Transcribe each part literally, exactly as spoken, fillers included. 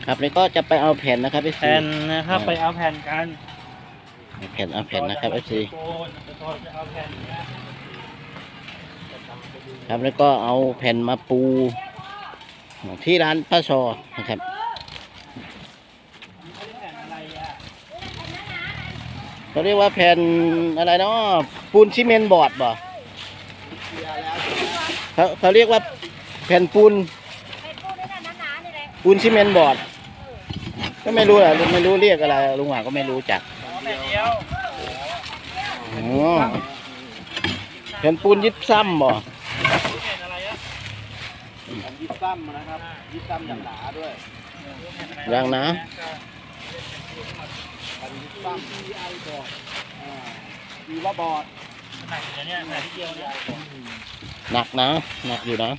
ครับนี่ก็จะไปเอาแผ่นนะครับแผ่นนะครับไปเอาแผ่นกันแผ่นเอาแผ่นนะครับเอฟซีจะเอาแผ่นครับแล้วก็เอาแผ่นมาปูที่ร้านป้าซอนะครับเขาเรียกว่าแผ่นอะไรเนาะปูนซีเมนต์บอร์ดบ่เขาเขาเรียกว่าแผ่นปูนปูนซีเมนต์บอร์ดก็ไม่รู้แหละไม่รู้เรียกอะไรลุงหว่าก็ไม่รู้จักอ๋อแผ่นปูนยิบซ้ำบ่ยิบซ้ำนะครับยิบซ้ำอย่างหนาด้วยอย่างนะยิบซ้ำที่ไอบอร์ดดีว่าบอร์ดหนักอยู่เนี่ยหนักที่เดียวเนี่ยหนักนะหนักอยู่นะ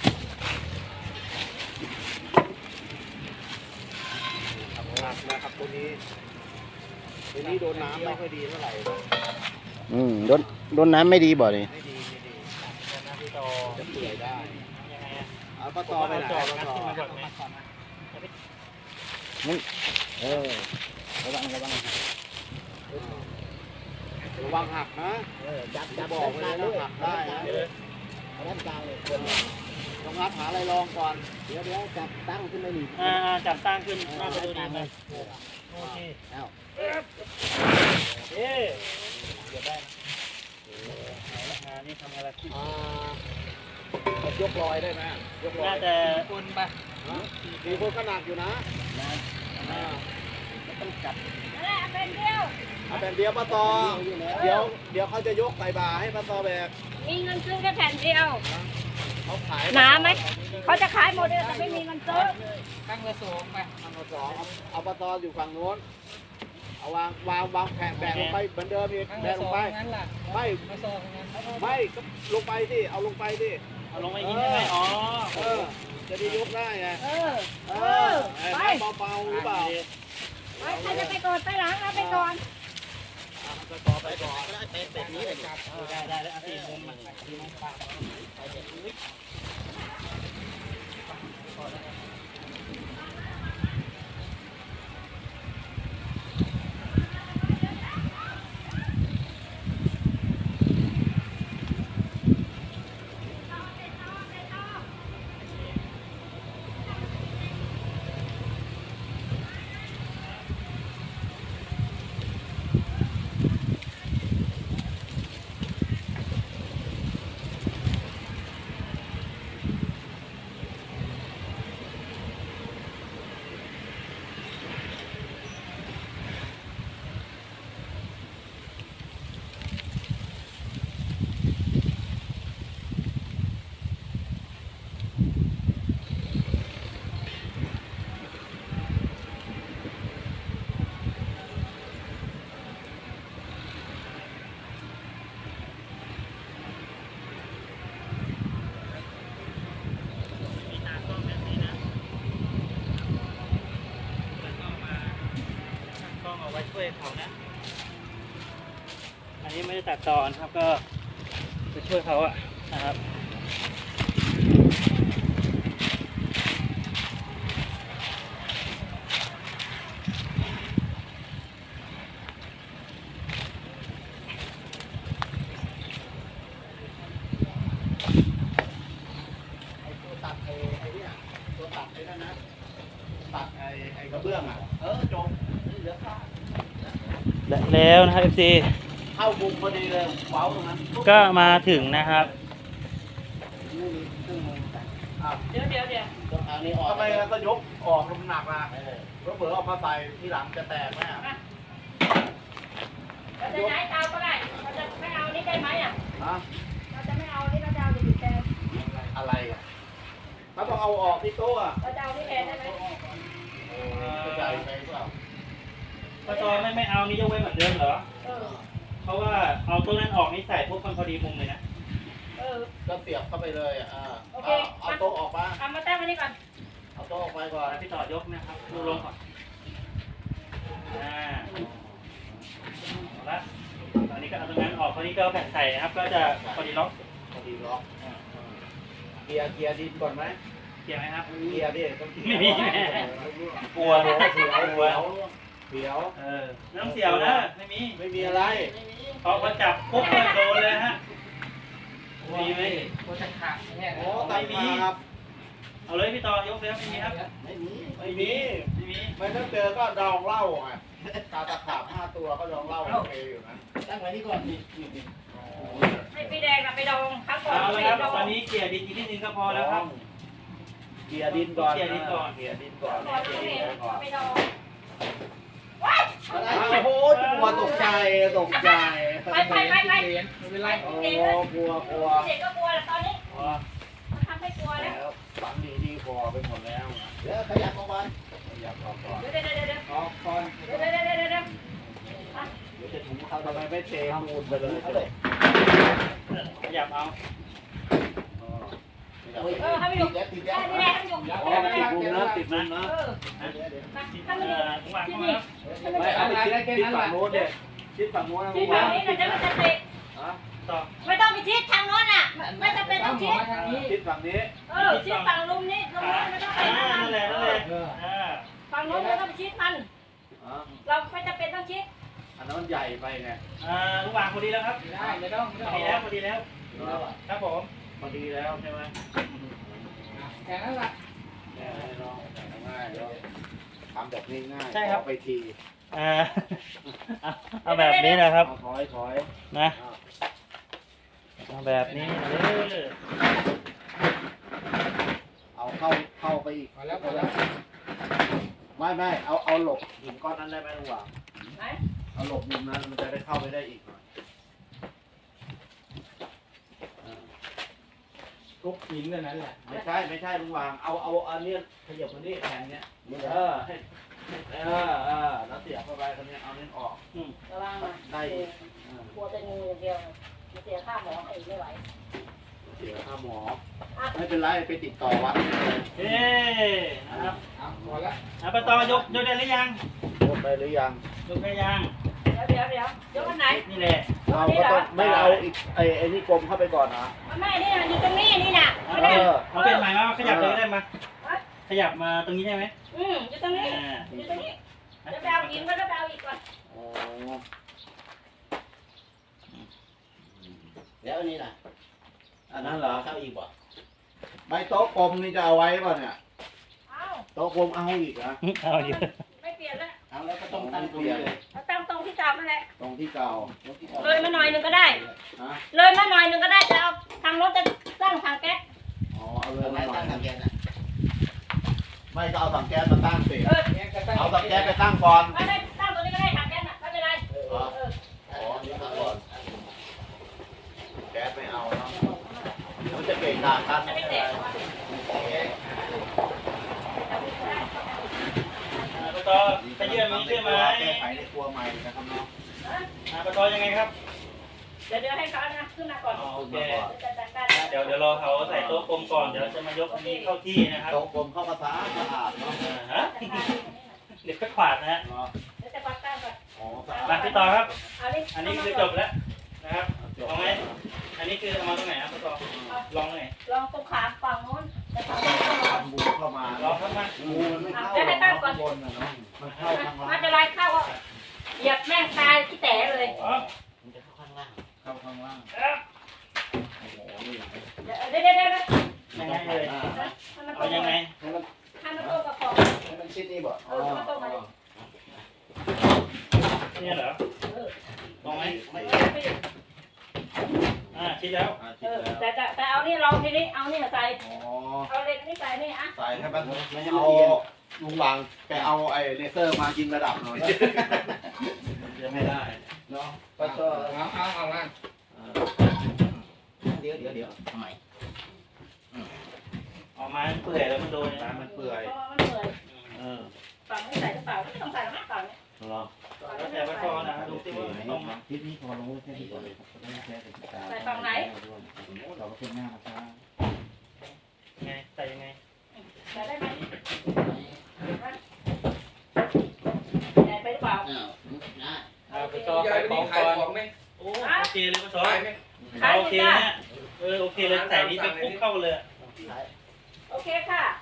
หนักนะครับตัวนี้ตัวนี้โดนน้ำไม่ค่อยดีเท่าไหร่อืมโดนโดนน้ำไม่ดีบ่เลยไม่ดีไม่ดีจะเปื่อยได้เอาปลาตอไปไหนปลาตอเออระวังระวังระวังหักนะจับจับบอกเลยนะหักได้นะด้านกลางเลยต้องงัดหาอะไรรองก่อนเดี๋ยวเดี๋ยวจับตั้งขึ้นไม่หนีอ่าจับตั้งขึ้นน่าจะดูดีเลยโอเคแล้วเอ๊ะเดี๋ยวได้นี่ทำอะไรที่ยกลอยได้ไหมยกลอยน่าจะคนไปมีคนขนาดอยู่นะต้องจับเอาแผ่นเดียวเอาแผ่นเดียวปลาตอเดี๋ยวเดี๋ยวเขาจะยกใส่บาให้ปลาตอแบกมีเงินซื้อแค่แผ่นเดียวเขาขายหนาไหมเขาจะขายหมดเลยแต่ไม่มีเงินซื้อตั้งเบอร์สองไปตั้งเบอร์สองเอาปลาตออยู่ฝั่งโน้นเอาวางวางวางแผ่นแบกลงไปเหมือนเดิมอีกแบกลงไปไม่ไม่ก็ลงไปสิเอาลงไปสิเอาลงไปยิงได้ไหมอ๋อเออจะได้ยกได้ไงเออเออไปเบาๆหรือเปล่าไปใครจะไปก่อนไปหลังเอาไปก่อนไปต่อไปก่อนเป็ดเป็ดนี้เลยครับได้ได้ได้เอาตีมุมมาตีมุมปากไปเด็ดนิดช่วยเขานะอันนี้ไม่ได้ตัดตอนครับก็ไปช่วยเขาอะนะครับไอ้ตัวตัดไอ้ไอ้เนี่ยตัวตัดไอ้นั่นนะตัดไอ้ไอ้กระเบื้องอ่ะเออจงเหลือข้าแล้วนะครับ เอฟ ซีเข้ามุมพอดีเลยเว้าตรงนั้นก็มาถึงนะครับเดี๋ยวเดี๋ยวเดี๋ยวทำไมก็ยกออกลมหนักล่ะเผื่อเอามาใส่ที่หลังจะแตกไหมอ่ะเราจะย้ายเตาก็ได้เราจะไม่เอานี่ได้ไหมอ่ะฮะเราจะไม่เอานี่เราจะเอาอยู่แทนอะไรอ่ะเขาต้องเอาออกที่โต๊ะอ่ะเราจะเอานี่แทนได้ไหมใหญ่ไปเปล่าปลาตอไม่ไม่เอานี่ยกไว้เหมือนเดิมเหรอเพราะว่าเอาตัวนั้นออกนี่ใส่พวกมันพอดีมุมเลยนะเออก็เสียบเข้าไปเลยอ่ะโอเคเอาโต๊ะออกมาเอามาตั้งไว้นี่ก่อนเอาโต๊ะออกไปก่อนพี่ต่อยกนะครับดูลงก่อนอ่าเอาละตอนนี้ก็เอาตรงนั้นออกตอนนี้ก็แผ่นใส่นะครับก็จะพอดีล็อกพอดีล็อกเกียร์เกียร์ดินก่อนไหมเกียร์ไหมครับเกียร์ดิไม่มีปกลัวเลยเสียวเสียวเสียวเออไม่ต้องเสียวนะไม่มีไม่มีอะไรพอเขาจับปุ๊บก็โดนเลยฮะมีไหมโอ้ตายมีครับเอาเลยพี่ต่อยกเลยครับไม่มีครับไม่มีไม่มีไม่มีไม่ต้องเจอก็ดองเหล้าไงตาตะขาบห้าตัวก็ดองเหล้าโอเคอยู่นะตั้งไว้นี่ก่อนนี่ให้พี่แดงกับไปดองครั้งก่อนเอาไปละครับดองตอนนี้เกลี่ยดินอีกนิดนึงก็พอแล้วครับเกียร์ดินก่อนเกลี่ยดินก่อนเกียร์ดินก่อนก่อนเกียร์พี่ดินก่อนไปดองว้ายโอ้โหกลัวตกใจตกใจไปไปไปไปโอ้เด็กก็กลัวกลัวเด็กก็กลัวแล้วตอนนี้อ๋อมันทำให้กลัวแล้วแล้วฝังดีดีพอไปหมดแล้วเดี๋ยวขยับออกมาขยับออกก่อนเดี๋ยวเดี๋ยวเดี๋ยวเดี๋ยวออกก่อนเดี๋ยวเดี๋ยวเดี๋ยวเดี๋ยวเดี๋ยวเดี๋ยวจะถุงเขาทำไมไม่เทมูลไปเลยขยับเอาเออให้มันอยู่ให้พี่แดงให้มันอยู่อ๋อติดมุมนะติดมุมนะเออนะมาที่ให้มันอยู่ถุงวางที่เข้ามานี่ครับไม่เอาไปชิดชิดฝั่งโน้นเนี่ยชิดฝั่งโน้นนะที่ฝั่งนี้นะจะไม่จะติดต่อไม่ต้องไปชิดทางโน้นอ่ะไม่จำเป็นต้องชิดชิดฝั่งนี้เออชิดฝั่งลุมนี่ลุมนี้ไม่ต้องไปอ่าทางนั่นแหละนั่นแหละอ่าฝั่งโน้นไม่ต้องไปชิดมันอ๋อเราไม่จำเป็นต้องชิดอันนั้นใหญ่ไปไงอ่าถุงวางพอดีแล้วครับได้ไม่ต้องไม่พต้อองดีแล้วพอดีแล้วครับผมพอดีแล้วใช่ไหมแค่นั้นแหละแง่ายน้องง่ายแล้วทำแบบง่ายๆใช่ครับไปทีอ่าเอาเอาแบบนี้นะครับเอาถอยถอยนะเอาแบบนี้เออเอาเข้าเข้าไปอีกพอแล้วพอแล้วไม่ไม่เอาเอาหลบหินก้อนนั้นได้ไหมลุงหว่างไหนเอาหลบมุมนั้นมันจะได้เข้าไปได้อีกหน่อยทุกหินเท่านั้นแหละไม่ใช่ไม่ใช่ลุงหว่างเอาเอาอันเนี้ยขยับคนนี้แทนเนี้ยเออให้เออเออแล้วเสียบเข้าไปคนนี้เอาเน้นออกระวังนะได้อีกกลัวจะงูอย่างเดียวมันเสียค่าหมอให้ไม่ไหวเสียค่าหมอไม่เป็นไรไปติดต่อวัดเลยเอ๊นะครับเอาพอแล้วเอาไปต่อยกยกได้หรือยังหมดไปหรือยังยกได้ยังเดี๋ยวเดี๋ยวเดี๋ยวเดี๋ยววันไหนนี่แหละเอาก็ต้องไม่เอาอีกไอ้ไอ้นี่กลมเข้าไปก่อนนะมันไม่นี่มันอยู่ตรงนี้นี่น่ะเอาไม่ได้เอาเป็นหมายว่าขยับเลยก็ได้มาขยับมาตรงนี้ได้ไหมอืมอยู่ตรงนี้อ่าอยู่ตรงนี้จะไปเอาหินก็จะไปเอาอีกก่อนโอ้แล้วอันนี้ล่ะอันนั้นเหรอเข้าอีกบ่ไม่โต๊ะกลมนี่จะเอาไว้ป่ะเนี่ยเอาโต๊ะกลมเอาอีกนะเอาอยู่ไม่เปลี่ยนแล้วเอาแล้วก็ต้องตั้งตรงนี้เลยเราตั้งตรงที่เก่านั่นแหละตรงที่เก่าเลยมาหน่อยหนึ่งก็ได้ฮะเลยมาหน่อยหนึ่งก็ได้จะเอาทางรถจะตั้งทางแก๊สอ๋อเอาเลยตรงไหนมาหน่อยตั้งทางแกนน่ะไม่ก็เอาถังแก๊สมาตั้งสิเออแกก็ตั้งเอาถังแก๊สไปตั้งก่อนไม่ไม่ตั้งตรงนี้ก็ได้ทางแก๊สน่ะไม่เป็นไรเออเอออ๋อนี่ตั้งก่อนแก๊สไม่เอาเนาะเดี๋ยวจะเก่งกากันจะไม่เตะปตอไปเยื่อมีใช่ไหมแก้ไขในครัวใหม่นะครับเนาะปตอยังไงครับเดี๋ยวเดี๋ยวให้เขานะขึ้นมาก่อนโอเคจะจัดการเดี๋ยวเดี๋ยวรอเขาใส่โต๊ะกลมก่อนเดี๋ยวจะมายกอันนี้เข้าที่นะครับโต๊ะกลมเข้ามาสะอาดสะอาดเนาะอ่าฮะเดี๋ยวไปขวาดนะฮะเนาะเดี๋ยวจะปักตั้งก่อนอ๋อสะอาดมาพี่ต่อครับเอาดิอันนี้คือจบแล้วนะครับเอาไหมอันนี้คือเอามาตรงไหนครับพี่ต่อลองหน่อยลองตรงขาฝั่งโน้นแต่ฝั่งนี้ก็ลองทำบูเข้ามาลองครับมางูมันไม่เข้าหรอกข้างบนนะเนาะมันเข้าข้างล่างมาจะไล่เข้าก็เหยียบแม่งตายที่แตะเลยอ๋อมันจะเข้าข้างล่างเข้าข้างล่างครับโอ้โหนี่เดี๋ยวเดี๋ยวเดี๋ยวเดี๋ยวยังไงเลยให้มันตรเอางยังไงให้มันให้มันตรงกับของให้มันชิดนี่บ่เออมันตรงมาดิเนี่ยเหรอเออตรงไหมไม่เออพี่อ่าชิดแล้วอ่าชิเอดอแล้วแต่แต่แต่เอานี่ลองทีนี้เอานี่มาใส่อ๋อเอาเหล็กนี่ใส่นี่อ่ะใส่ให้มันเอาลุงหวังแกเอาไอ้เลเซอร์มายิงระดับหน่อยจะไม่ได้เนาะก็ชอบเอาเอาเอามาเดี๋ยวเดี๋ยวเดี๋ยวทำไมออกมาเปื่อยแล้วมันโดนน้ำมันเปื่อยเพราะว่ามันเปื่อยเออฝั่งไม่ใส่หรือเปล่าไม่ต้องใส่หรอกนะฝั่งนี้รอแล้วแต่ว่าพอนะดูที่ว่าตรงไหมทิศนี้พอลงแค่นี้ก่อนเลยไม่แค่ติดตาใส่ฝั่งไหนเราก็เป็นหน้าครับไงใส่ยังไงใส่ได้ไหมใส่ไปหรือเปล่าอ้าวนะเอาไปต่อใส่ของก่อนไหมโอ้โอเคเลยป้าซอขายไหมโอเคเนี่ยเออโอเคเลยใส่นี้เป็นคุกเข้าเลยโอเคค่ะอ่า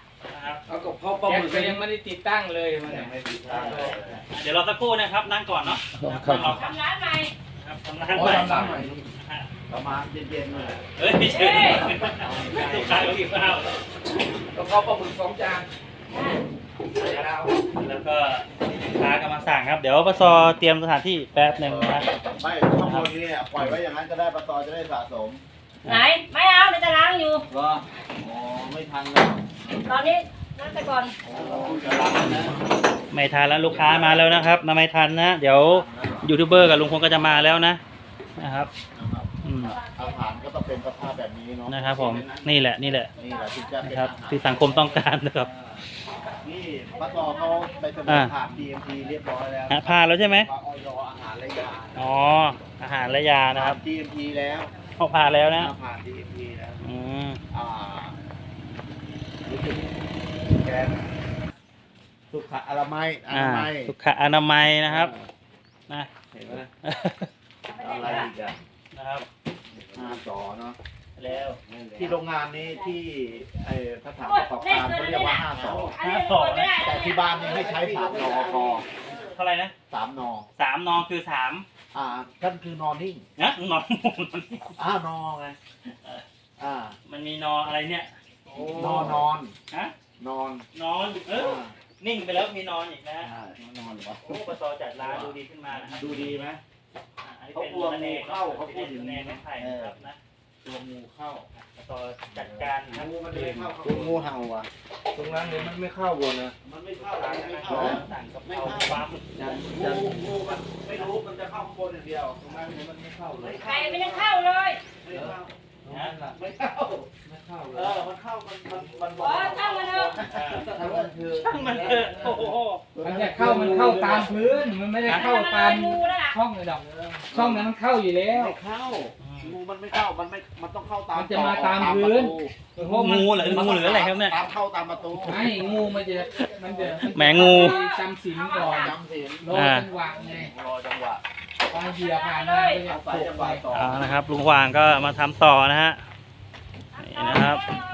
นะครับเอากับพ่อปลาหมึกก็ยังไม่ได้ติดตั้งเลยมันยังไม่ติดตั้งเลยเดี๋ยวเราสักครู่นะครับนั่งก่อนเนาะครับนั่งรอทำร้านใหม่ครับทำร้านโอ้ใหม่ทำร้านใหม่ประมาณเย็นๆเลยเฮ้ยไม่ใช่ลูกค้าเขาหิวข้าวกับพ่อปลาหมึกสองจานดาวแล้วก็ลูกค้ากำลังสั่งครับ เดี๋ยวปสเตรียมสถานที่แป๊บหนึ่งนะไม่ข้างบนนี้เนี่ยปล่อยไว้อย่างนั้นก็ได้ปตจะได้สะสมไหนไม่เอาเดี๋ยวจะล้างอยู่ก็อ๋อไม่ทันแล้วตอนนี้นั่งไปก่อนเราจะรับนะไม่ทันแล้วลูกค้ามาแล้วนะครับมาไม่ทันนะเดี๋ยวยูทูบเบอร์กับลุงพลก็จะมาแล้วนะนะครับนะครับอืมอาหารก็ต้องเป็นสภาพแบบนี้เนาะนะครับผมนี่แหละนี่แหละนี่แหละที่จะเป็นนะครับอาหารที่สังคมต้องการนะครับนี่ปตเขาไปเสนอผ่าน ดี เอ็ม ที เรียบร้อยแล้วฮะผ่านแล้วใช่ไหมว่าออยอาหารและยาอ๋ออาหารและยานะครับผ่าน ดี เอ็ม ที แล้วเขาผ่านแล้วนะผ่าน ดี เอ็ม ที แล้วอืมอ่ารู้สึกแกนสุขอนามัยออ่านามัยสุขอนามัยนะครับนะเห็นไหมอะไรอีกอะนะครับห้าจอเนาะแล้วที่โรงงานนี้ที่ไอ้สถานประกอบการเขาเรียกว่าห้าสออันนี้เปิดไม่ได้แต่ที่บ้านนี่ให้ใช้สามนอพอเท่าไหร่นะสามนอสามนอคือสามอ่าท่านคือนอนนิ่งนะนอนอ่านอไงอ่ามันมีนออะไรเนี่ยนอนนอนฮะนอนนอนเออนิ่งไปแล้วมีนอนอีกนะอ่านอนวะโอ้ปสจัดร้านดูดีขึ้นมานะครับดูดีไหมอ่ะอันนี้เป็นระเนกเข้าเขาพูดถึงระเนกไม้ไผ่นะครับนะตัวงูเข้าปสจัดการนะครับงูมันไม่เข้าตัวงูเห่าอ่ะตรงนั้นเนี่ยมันไม่เข้าวนนะมันไม่เข้าร้านมันนะไม่ครัเข้าบสั่งกับข้าวปลาหมึกจันจันงูมันไม่รู้มันจะเข้าข้างบนอย่างเดียวตรงนั้นเนี่ยมันไม่เข้าเลยใครไม่ได้เข้าเลยไม่เข้านะไม่เข้าไม่เข้าเลเอย อมันเข้ามันมันมันอ๋อช่างมันเถอะถ้ามันคือช่างมันเถอะโอ้โหมันจะเข้ามันเข้าตามพื้นมันไม่ได้เข้าตามงูแล้วล่ะช่องเลยดอกช่องนั้นมันเข้าอยู่แล้วไม่เข้างูมันไม่เข้ามันไม่มันต้องเข้าตามมันจะมาตามพื้น เพราะมันงูเหรืองูหรืออะไรครับเนี่ยตามเข้าตามประตูไม่งูมันจะมันจะแหมงูจำศีลก่อนจำศีลรอจังหวะไงรอจังหวะพอเหยียบผ่านมาก็จะเอาโผสายล่จังหไปวะต่อเอานะครับลุงหวางก็มาทำต่อนะฮะนี่นะครับ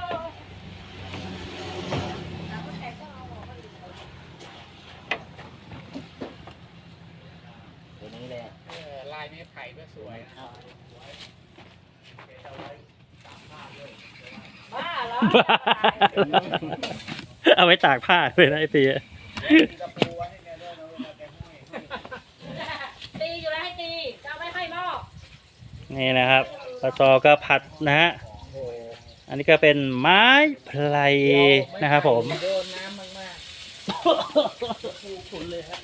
ตัวนี้แหละลายไม้ไผ่ก็สวยบ้าเหรอเอาไว้ตากผ้าเลยนะไอ้ตีตีอยู่แล้วให้ตีจะเอาไม่ให้หม้อนี่นะครับปสก็ผัดนะฮะอันนี้ก็เป็นไม้ไพรนะครับผมโดนน้ำมากขุนเลยครับ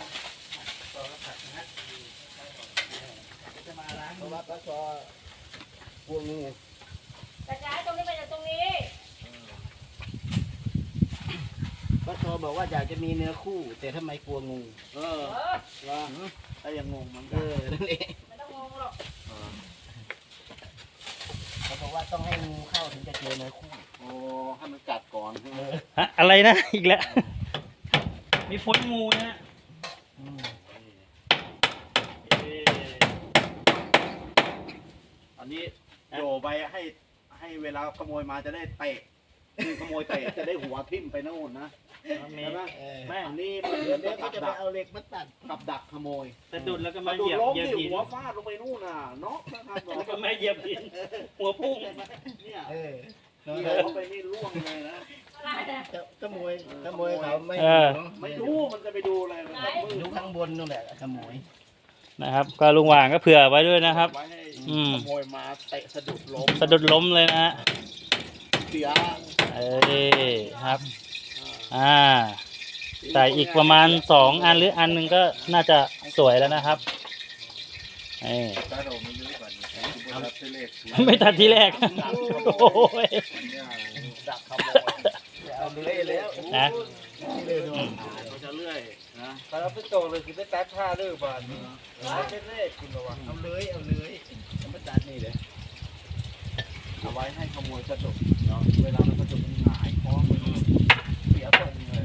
เพราะว่าปลาซอพวกงูกระจายตรงนี้ไปจากตรงนี้ป้าโซบอกว่าอยากจะมีเนื้อคู่ แต่ทำไมกลัวงูเออเออว่าถ้ายังงงมันเออนั่นเองไม่ต้องงงหรอกเขาบอกว่าต้องให้งูเข้าถึงจะเจอเนื้อคู่โอ้ให้มันกัดก่อนใช่ไหมฮะอะไรนะอีกแล้วมีพ้นงูนะฮะอันนี้โยไปให้ให้เวลาขโมยมาจะได้เตะคือขโมยเตะจะได้หัวทิ่มไปโน่นนะมีใช่ไหมแม่อันนี้มันเดี๋ยวเดี๋เดี๋ยยว วกัก็บจะไปดักเอาเหล็กมาตัดกับดักขโมยสะดุดแล้วก็มามาดูเหยียบล้มเหยียบที่หินหัวฟาดลงไปนู่นน่ะน็อกนะครับแล้วก็ไม่เหยียบหินหัวพุ่งเนี่ยเออเหยียบเข้าไปนี่ร่วงเลยนะอะไรนะขโมยขโมยเขาไม่เออไม่รู้มันจะไปดูอะไรมันจะมืดูดข้างบนนู่นแหละขโมยนะครับ ก็ลุงหวางก็เผื่อไว้ด้วยนะครับไว้ให้อืมขโมยมาเตะสะดุดล้มสะดุดล้มเลยนะฮะเสียเอ้ยครับ อ่าใส่อีกประมาณสองอันหรืออันหนึ่งก็น่าจะสวยแล้วนะครับเอ้ยถ้าเราไม่รู้ก่อนเอาไปเลขไม่ทันทีแรก โอ้ยดักขโมยเอาเลื่อยแล้วนะเลื่อยดูเราจะเลื่อยนะๆถ้าเราไปโตเลยคือไปตัดผ้าเลิกบ้านไม่เป็นเลขคุณระวังเอาเลยเอาเลยจะมาตัดนี่เลยเอาไว้ให้ขโมยสะดุดเนาะเวลามันสะดุดมันหงายคอมันเสียทรงเลย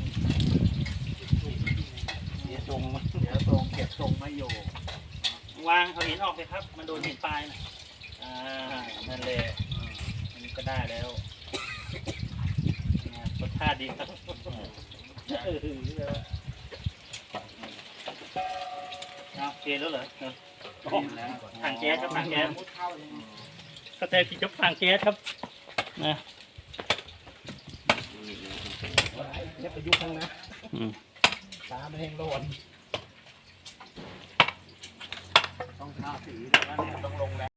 เสียทรงเสียทรงเก็บทรงไม่อยู่วางเอาหินออกเลยครับ มันโดนหินปลายนะอ่านั่นแหละอันนี้ก็ได้แล้วนะปะโถท่าดีครับเอาโอเคแล้วเหรอเออถังแก๊สครับถังแก๊สก็แต่ที่จะถังแก๊สครับนะเนี่ยไปยุคข้างนะอืมตามันแห้งร้อนต้องทาสีแล้วเนี่ยต้องลงแล้ว